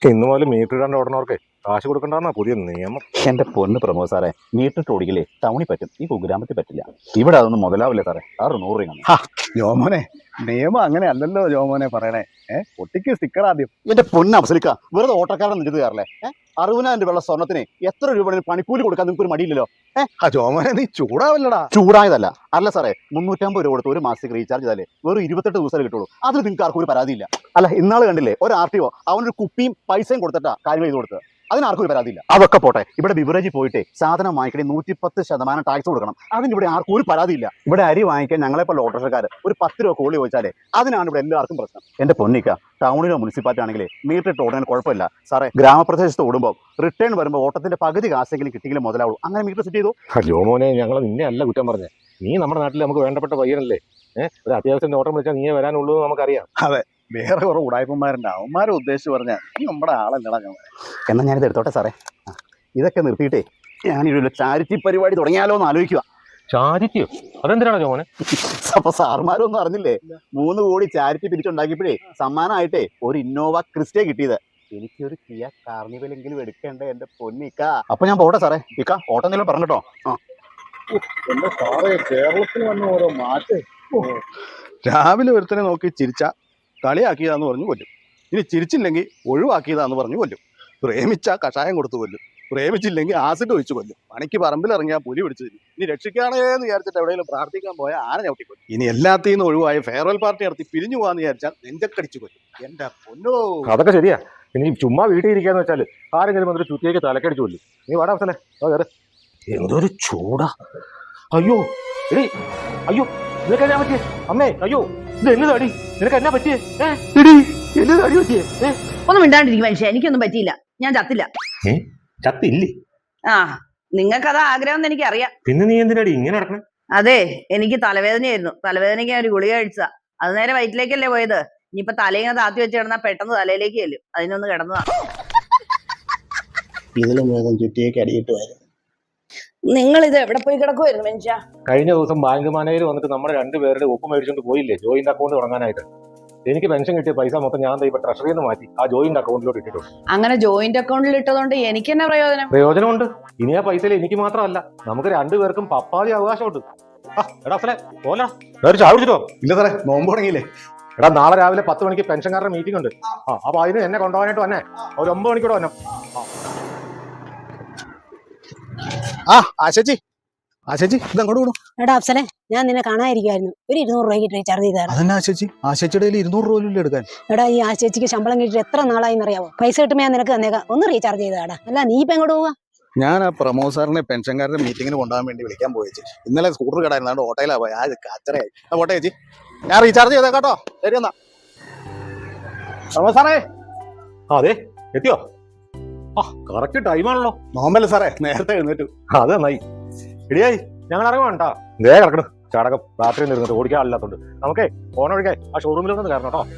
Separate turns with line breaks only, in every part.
ഇന്ന് മുതൽ മീറ്റർ ഇടാണ്ട് ഓടണവർക്ക് കാശ് കൊടുക്കണ്ടെന്നാ പുതിയ നിയമം.
എന്റെ പൊന്ന് പ്രമോദ് സാറേ, മീറ്റർ ഓടിക്കലേ ടൗണിൽ പറ്റും, ഈ കുഗ്രാമത്തിൽ പറ്റില്ല. ഇവിടെ അതൊന്നും മുതലാവില്ല സാറേ. 600 രൂപ.
ജോമോനെ, നിയമം അങ്ങനെ അല്ലല്ലോ ജോമോനെ പറയണേ. ഒട്ടിക്ക് സ്റ്റിക്കർ ആദ്യം.
എന്റെ പൊന്ന് അഫ്സലിക്ക, വെറുതെ ഓട്ടക്കാരൻ നിരുത് കയറല്ലേ. 60,000 രൂപയുള്ള സ്വർണ്ണത്തിന് എത്ര രൂപ പണിക്കൂലി കൊടുക്കാൻ നിങ്ങൾക്ക് ഒരു മടിയില്ലല്ലോ.
ജോമോനെ, നീ ചൂടാവല്ലടാ.
ചൂടായതല്ല. അല്ല സാറേ, 350 രൂപ കൊടുത്ത് ഒരു മാസത്തേക്ക് റീചാർജ് ചെയ്താലേ വെറും 28 ദിവസം കിട്ടുള്ളൂ. അതിൽ നിങ്ങൾക്ക് ആർക്കും ഒരു പരാതിയില്ല. അല്ല, ഇന്നാൾ കണ്ടില്ലേ, ഒരു RTO അവനൊരു കുപ്പിയും പൈസയും കൊടുത്തിട്ടാ കാര്യം ചെയ്ത് കൊടുത്തത്. അതിനാർക്കും ഒരു പരാതിയില്ല. അതൊക്കെ പോട്ടെ, ഇവിടെ ബിവറേജിൽ പോയിട്ട് സാധനം വാങ്ങിക്കണേ 110% ടാക്സ് കൊടുക്കണം. അതിന് ഇവിടെ ആർക്കും ഒരു പരാതിയില്ല. ഇവിടെ അരി വാങ്ങിക്കാൻ ഞങ്ങളെപ്പോലെ ഓട്ടോറിക്ഷക്കാർ ഒരു 10 രൂപ കൂലി ചോദിച്ചാലേ അതിനാണ് ഇവിടെ എല്ലാവർക്കും പ്രശ്നം. എന്റെ പൊന്നിക്ക, ടൗണിലോ മുനിസിപ്പാലിറ്റി ആണെങ്കിലേ മീറ്റർ ഇട്ട് ഓടുന്നതിന് കുഴപ്പമില്ല സാറേ. ഗ്രാമപ്രദേശത്ത് ഓടുമ്പോൾ റിട്ടേൺ വരുമ്പോൾ ഓട്ടത്തിന്റെ പകുതി കാശെങ്കിലും കിട്ടിയെങ്കിലും മുതലാവുള്ളൂ. അങ്ങനെ മീറ്റർ സെറ്റ് ചെയ്തു.
ജോമോനെ, ഞങ്ങൾ നിന്നെ അല്ല കുറ്റം പറഞ്ഞേ. നീ നമ്മുടെ നാട്ടിൽ നമുക്ക് വേണ്ടപ്പെട്ട പയ്യനല്ലേ. ഒരു അത്യാവശ്യം ഓട്ടം വിളിച്ചാൽ നീ വരാനുള്ളൂ നമുക്കറിയാം.
അതെ, വേറെ കുറെ ഉടായ്പന്മാരുണ്ട്. അവന്മാരെ ഉദ്ദേശിച്ച് പറഞ്ഞാൽ നീ നമ്മുടെ ആളല്ലടാ.
എന്നാൽ ഞാനിത് എടുത്തോട്ടെ സാറേ. ഇതൊക്കെ നിർത്തിയിട്ടേ ഞാനൊരു ചാരിറ്റി പരിപാടി തുടങ്ങിയാലോ എന്ന് ആലോചിക്കുക.
ചാരിറ്റിയോ? അതെന്തിനാണോ ജോമോനെ?
അപ്പൊ സാർമാരൊന്നും അറിഞ്ഞില്ലേ, 3 കോടി ചാരിറ്റി പിരിച്ചുണ്ടാക്കിയപ്പോഴേ സമ്മാനമായിട്ടേ ഒരു ഇന്നോവ ക്രിസ്റ്റേ കിട്ടിയത്. എനിക്കൊരു കിയ കാർണിവലെങ്കിലും എടുക്കണ്ടേ എന്റെ പൊന്നിക്ക. അപ്പൊ ഞാൻ പോട്ടെ സാറേ. ഇക്ക ഓട്ടം നില പറഞ്ഞിട്ടോ.
എന്റെ സാറേ, കേരളത്തിൽ വന്ന ഓരോ മാറ്റേ. രാവിലെ ഒരുത്തനെ നോക്കി ചിരിച്ച കളിയാക്കിയതാന്ന് പറഞ്ഞു കൊല്ലും. ഇനി ചിരിച്ചില്ലെങ്കിൽ ഒഴിവാക്കിയതാന്ന് പറഞ്ഞു കൊല്ലും. പ്രേമിച്ച കഷായം കൊടുത്തു കൊല്ലും. പ്രേമിച്ചില്ലെങ്കിൽ ആസിഡ് ഒഴിച്ചു കൊല്ലും. പണിക്ക് പറമ്പിലിറങ്ങിയാൽ പുലി പിടിച്ചു തരും. ഇനി രക്ഷിക്കാണേന്ന് വിചാരിച്ചിട്ട് എവിടെയെങ്കിലും പ്രാർത്ഥിക്കാൻ പോയാൽ ആന ചവിട്ടിക്കൊല്ലും. ഇനി എല്ലാത്തിൽ നിന്നും ഒഴിവായി ഫെയർവെൽ പാർട്ടി നടത്തി പിരിഞ്ഞു പോകാന്ന് വിചാരിച്ചാൽ നെഞ്ചക്കടിച്ചു കൊല്ലും. എന്റെ പൊന്നോ,
അതൊക്കെ ശരിയാ. ഇനി ചുമ്മാ വീട്ടിൽ ഇരിക്കാന്ന് വെച്ചാൽ ആരെങ്കിലും വന്നിട്ട് ചുറ്റിയേക്ക് തലക്കടിച്ചു കൊല്ലും. നീ വാടാ അവസല്ലേ. എന്തൊരു ചൂടാ. അയ്യോ എടി, അയ്യോ നിനക്ക് എന്നാ പറ്റിയേ? അമ്മേ, അയ്യോ ഇത് എന്നതാടി? നിനക്ക് എന്നാ പറ്റിയേ? എടി, എന്നതാടി പറ്റിയേ?
ഒന്നും മിണ്ടാണ്ടിരിക്കും മനുഷ്യ. എനിക്കൊന്നും പറ്റിയില്ല. ഞാൻ ചത്തില്ല.
ചത്തില്ലേ?
ആ, നിങ്ങൾക്കതാ ആഗ്രഹം എന്ന് എനിക്കറിയാം.
പിന്നെ നീ എന്തിനാടി ഇങ്ങനെ നടക്കണേ?
അതെ, എനിക്ക് തലവേദനയായിരുന്നു. തലവേദനയ്ക്ക് ഞാൻ ഒരു ഗുളിക കഴിച്ചതാ. അത് നേരെ വയറ്റിലേക്കല്ലേ പോയത്. ഇനിയിപ്പൊ തലയിങ്ങനെ താത്തി വെച്ച് കിടന്നാ പെട്ടെന്ന് തലയിലേക്ക് ചെല്ലും. അതിനൊന്ന് കിടന്നതാ.
ഇതിലും വേഗം ചുറ്റിയേക്ക് അടിയിട്ട് വരും.
നിങ്ങൾ ഇത് എവിടെ പോയി കിടക്കുമായിരുന്നു മനുഷ്യ?
കഴിഞ്ഞ ദിവസം ബാങ്ക് മാനേജർ വന്നിട്ട് നമ്മുടെ 2 പേരുടെ ഒപ്പ് മേടിച്ചോണ്ട് പോയില്ലേ ജോയിന്റ് അക്കൗണ്ട് തുടങ്ങാനായിട്ട്. എനിക്ക് പെൻഷൻ കിട്ടിയ പൈസ മൊത്തം ഞാൻ ഇപ്പൊ ട്രഷറിയിൽ നിന്ന് മാറ്റി ആ ജോയിന്റ് അക്കൗണ്ടിലോട്ട് ഇട്ടിട്ടുണ്ട്.
അങ്ങനെ ജോയിന്റ് അക്കൗണ്ടിൽ ഇട്ടതുകൊണ്ട് എനിക്ക് തന്നെ
പ്രയോജനമുണ്ട്. ഇനി ആ പൈസയിൽ എനിക്ക് മാത്രമല്ല, നമുക്ക് 2 പേർക്കും പപ്പാതി അവകാശമുണ്ട്. എടാ പോലാ ചാവിടിച്ചിട്ടോ?
ഇല്ല സാറേ, നോമ്പ് തുടങ്ങിയില്ലേ?
എടാ, നാളെ രാവിലെ 10 മണിക്ക് പെൻഷൻകാരുടെ മീറ്റിംഗ് ഉണ്ട്. അപ്പൊ അതിന് എന്നെ കൊണ്ടുപോകാനായിട്ട് വന്നെ. ഒരു 9 മണിക്കൂടെ വന്നെ.
ആശേച്ചി ഇതങ്ങോട്ട് വിടും.
എടാ അഫ്സലെ, ഞാൻ നിന്നെ കാണാതിരിക്കുമായിരുന്നു. ഒരു 200 രൂപയ്ക്ക് റീചാർജ് ചെയ്താൽ.
അതന്നെ ആശേച്ചിയുടെ 200 രൂപ എടുക്കാൻ.
എടാ, ഈ ആശേച്ചിക്ക് ശമ്പളം കിട്ടിയിട്ട് എത്ര നാളായി അറിയാവോ? പൈസ കിട്ടുമ്പോൾ ഞാൻ നിനക്ക് തന്നേക്കാം. ഒന്ന് റീചാർജ് ചെയ്താടാ. അല്ല, നീ ഇപ്പൊ എങ്ങോട്ട് പോവാ?
ഞാൻ ആ പ്രമോദ് സാറിനെ പെൻഷൻകാരുടെ മീറ്റിങ്ങിന് കൊണ്ടുപോകാൻ വേണ്ടി വിളിക്കാൻ പോയേച്ചി. ഇന്നലെ സ്കൂട്ടർ കടായിരുന്നു, ഓട്ടോയിലാ പോയി. കച്ചറയായി. പോട്ടെ ചേച്ചി, ഞാൻ റീചാർജ് ചെയ്തേ കേട്ടോ. ശരി എന്നാ. പ്രമോദ് സാറേ.
അതെ, എത്തിയോ? കറക്റ്റ് ടൈമാണല്ലോ.
നോമ്പല്ലേ സാറേ, നേരത്തെ എഴുന്നേറ്റു.
അത് നന്നായി. ഇടിയായി, ഞങ്ങൾ ഇറങ്ങാണ്ടാ. ദേ കിടക്കണം ചാടകം. രാത്രി നിന്നിട്ട് ഓടിക്കാൻ ആളില്ലാത്തോണ്ട് നമുക്കേ ഫോൺ ഒഴിക്കാൻ ആ ഷോറൂമിലൊന്ന് കയറണം കേട്ടോ.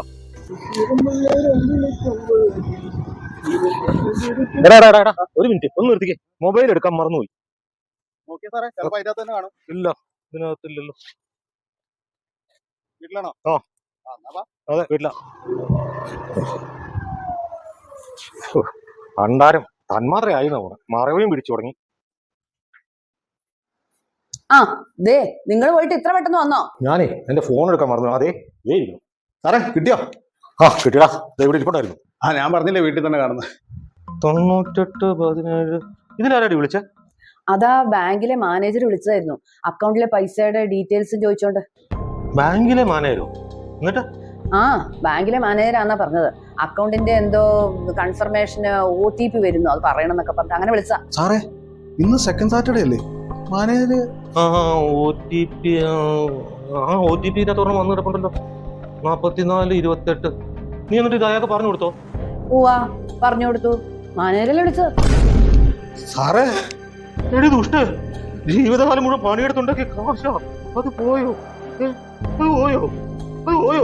ഒരു മിനിറ്റ് ഒന്ന് നിർത്തിക്കേ. മൊബൈൽ എടുക്കാൻ മറന്നുപോയി. ഇല്ല, ഇതിനകത്തില്ലല്ലോ.
വീട്ടിലാണോ?
അതെ, വീട്ടിലാ. ഭണ്ഡാരം തന്മാത്രയായി മറവിയും പിടിച്ചു തുടങ്ങി.
ദേ, നിങ്ങൾ പോയിട്ട് ഇത്ര പെട്ടെന്ന് വന്നോ?
ഞാനേ എന്റെ ഫോൺ എടുക്കാൻ മറന്നു. അതെ, ഇരിക്കുന്നു.
സാറേ, കിട്ടിയോ?
കിട്ടിയടാ. ഇവിടെ ഇരിപ്പുണ്ടായിരുന്നു.
ഞാൻ പറഞ്ഞില്ലേ, വീട്ടിൽ തന്നെ കാണുന്നത്.
9817. ഇതിലാരാടി വിളിച്ച?
അതാ ബാങ്കിലെ മാനേജർ വിളിച്ചതായിരുന്നു. അക്കൗണ്ടിലെ പൈസയുടെ ഡീറ്റെയിൽസ് ചോദിച്ചോണ്ട്.
ബാങ്കിലെ മാനേജരോ? എന്നിട്ട്?
ബാങ്കിലെ മാനേജരാന്നാ പറഞ്ഞത്. അക്കൗണ്ടിന്റെ എന്തോ കൺഫർമേഷന് OTP വരുന്നു, അത് പറയണം എന്നൊക്കെ പറഞ്ഞു. അങ്ങനെ വിളിച്ചാ.
സാറേ, ഇന്ന് സെക്കൻഡ് സാറ്റർഡേ അല്ലേ? മാനേജര്
OTP വന്നു കിടപ്പുണ്ടല്ലോ. 4428. നീ എന്നിട്ട് ഇത് അയാൾക്ക് പറഞ്ഞു കൊടുത്തോ?
പറഞ്ഞു കൊടുത്തു. മാനേജരല്ലേ വിളിച്ചത്.
സാറേ,
എടി ദുഷ്ട, ജീവിതകാലം മുഴുവൻ പണിയെടുത്തുണ്ടാക്കിയ കാശാ. അത് പോയോ? അത് പോയോ? അത് പോയോ?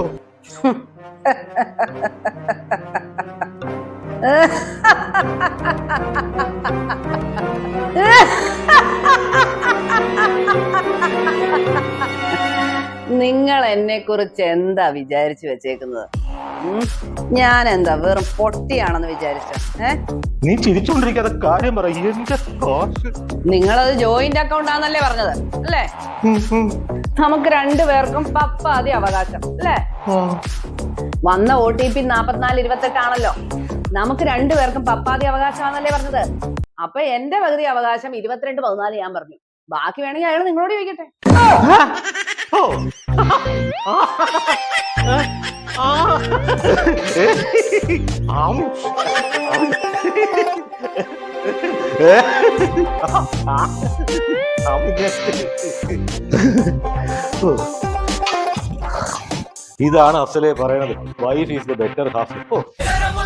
നിങ്ങൾ എന്നെ കുറിച്ച് എന്താ വിചാരിച്ചു വെച്ചേക്കുന്നത്? ഞാൻ എന്താ വെറും പൊട്ടിയാണെന്ന് വിചാരിച്ച
നീ ചിരിച്ചോണ്ടിരിക്കാതെ കാര്യം പറ. എന്റെ കാശ്.
നിങ്ങളത് ജോയിന്റ് അക്കൗണ്ട് ആണെന്നല്ലേ പറഞ്ഞത് അല്ലേ? നമുക്ക് രണ്ടുപേർക്കും പപ്പാതി അവകാശം അല്ലേ? വന്ന OTP 4428 ആണല്ലോ. നമുക്ക് രണ്ടുപേർക്കും പപ്പാതി അവകാശമാണല്ലേ പറഞ്ഞത്. അപ്പൊ എന്റെ പകുതി അവകാശം 22-14 ഞാൻ പറഞ്ഞു. ബാക്കി വേണമെങ്കിൽ അയാൾ നിങ്ങളോട് ചോദിക്കട്ടെ.
ഇതാണ് അസലെ പറയണത്. Wife is the better half.